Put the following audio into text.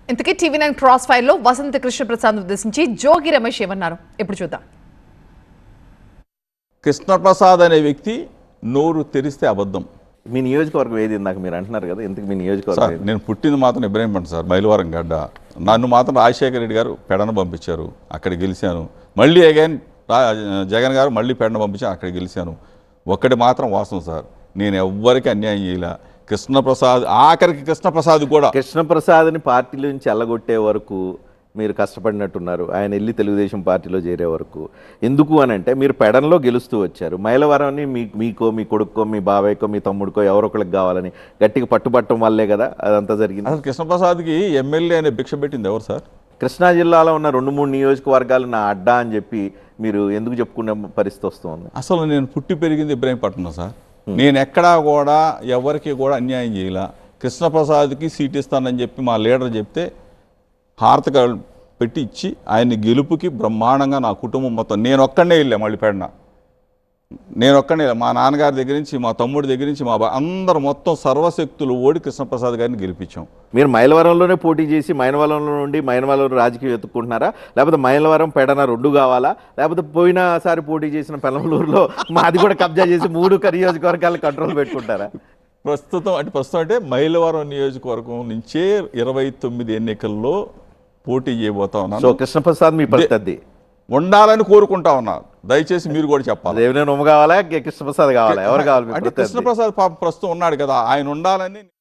ఇంతకీ TV9 cross fire లో వసంత కృష్ణప్రసాద్ ఉద్దేశించి జోగి రమేష్ ఏమన్నారు ఇప్పుడు చూద్దాం. కృష్ణప్రసాద్ అనే వ్యక్తి నోరు తెరిస్తే అబద్ధం. మీ నియోజకవర్గం ఏది ఇందాక మీరు అంటున్నారు కదా, ఎందుకు మీ నియోజకవర్గం ఏది? నేను పుట్టింది మాత్రం ఇబ్రహీంపట్నం సార్, మైలవరం గడ్డ. నన్ను మాత్రం రాజశేఖర రెడ్డి గారు పెడన పంపించారు, అక్కడ గెలిచాను. మళ్ళీ అగైన్ జగన్ గారు మళ్ళీ పెడన పంపించాను, అక్కడ గెలిచాను. ఒక్కటి మాత్రం వాస్తవం సార్, నేను ఎవ్వరికి అన్యాయం చేయలే. కృష్ణప్రసాద్ ఆఖరికి కృష్ణప్రసాద్ని పార్టీల నుంచి ఎల్లగొట్టే వరకు మీరు కష్టపడినట్టున్నారు. ఆయన వెళ్ళి తెలుగుదేశం పార్టీలో చేరే వరకు. ఎందుకు అని అంటే మీరు పెడన్లో గెలుస్తూ వచ్చారు. మైలవరాన్ని మీకో, మీ కొడుక్కో, మీ బాబాయ్కో, మీ తమ్ముడికో ఎవరో ఒకరికి కావాలని గట్టిగా పట్టుబట్టడం వల్లే కదా అదంతా జరిగింది. అసలు కృష్ణప్రసాద్కి ఎమ్మెల్యే అనే భిక్ష పెట్టింది ఎవరు సార్? కృష్ణా జిల్లాలో ఉన్న 2-3 నియోజకవర్గాలు నా అడ్డా అని చెప్పి మీరు ఎందుకు చెప్పుకునే పరిస్థితి వస్తుంది? అసలు నేను పుట్టి పెరిగింది ఇబ్రహీంపట్నం సార్. నేను ఎక్కడా కూడా ఎవరికి కూడా అన్యాయం చేయలే. కృష్ణప్రసాద్కి సీట్ ఇస్తానని చెప్పి మా లీడర్ చెప్తే హారతిక పెట్టి ఇచ్చి ఆయన్ని గెలుపుకి బ్రహ్మాండంగా నా కుటుంబం మొత్తం నేను ఒక్కడనే వెళ్ళా. మళ్ళీ పెడన నేను ఒక్కడనే, మా నాన్నగారి దగ్గర నుంచి, మా తమ్ముడి దగ్గర నుంచి, మా అందరూ మొత్తం సర్వశక్తులు ఓడి కృష్ణప్రసాద్ గారిని గెలిపించాం. మీరు మైలవరంలోనే పోటీ చేసి మైలవరంలో నుండి మైలవరం రాజకీయం ఎత్తుకుంటున్నారా, లేకపోతే మైలవరం పెడన 2 కావాలా, లేకపోతే పోయినసారి పోటీ చేసిన పెనమలూరులో మాది కూడా కబ్జా చేసి 3 నియోజకవర్గాలు కంట్రోల్ పెట్టుకుంటారా? ప్రస్తుతం అంటే మైలవరం నియోజకవర్గం నుంచే 29 ఎన్నికల్లో పోటీ చేయబోతా ఉన్నాను. సో కృష్ణప్రసాద్ మీ పరిస్థితి ఉండాలని కోరుకుంటా ఉన్నా. దయచేసి మీరు కూడా చెప్పాలి. దేవినేని ఉమ్మ కావాలా, కృష్ణప్రసాద్ కావాలా, ఎవరు కావాలి? అంటే కృష్ణప్రసాద్ ప్రస్తుతం ఉన్నాడు కదా, ఆయన ఉండాలని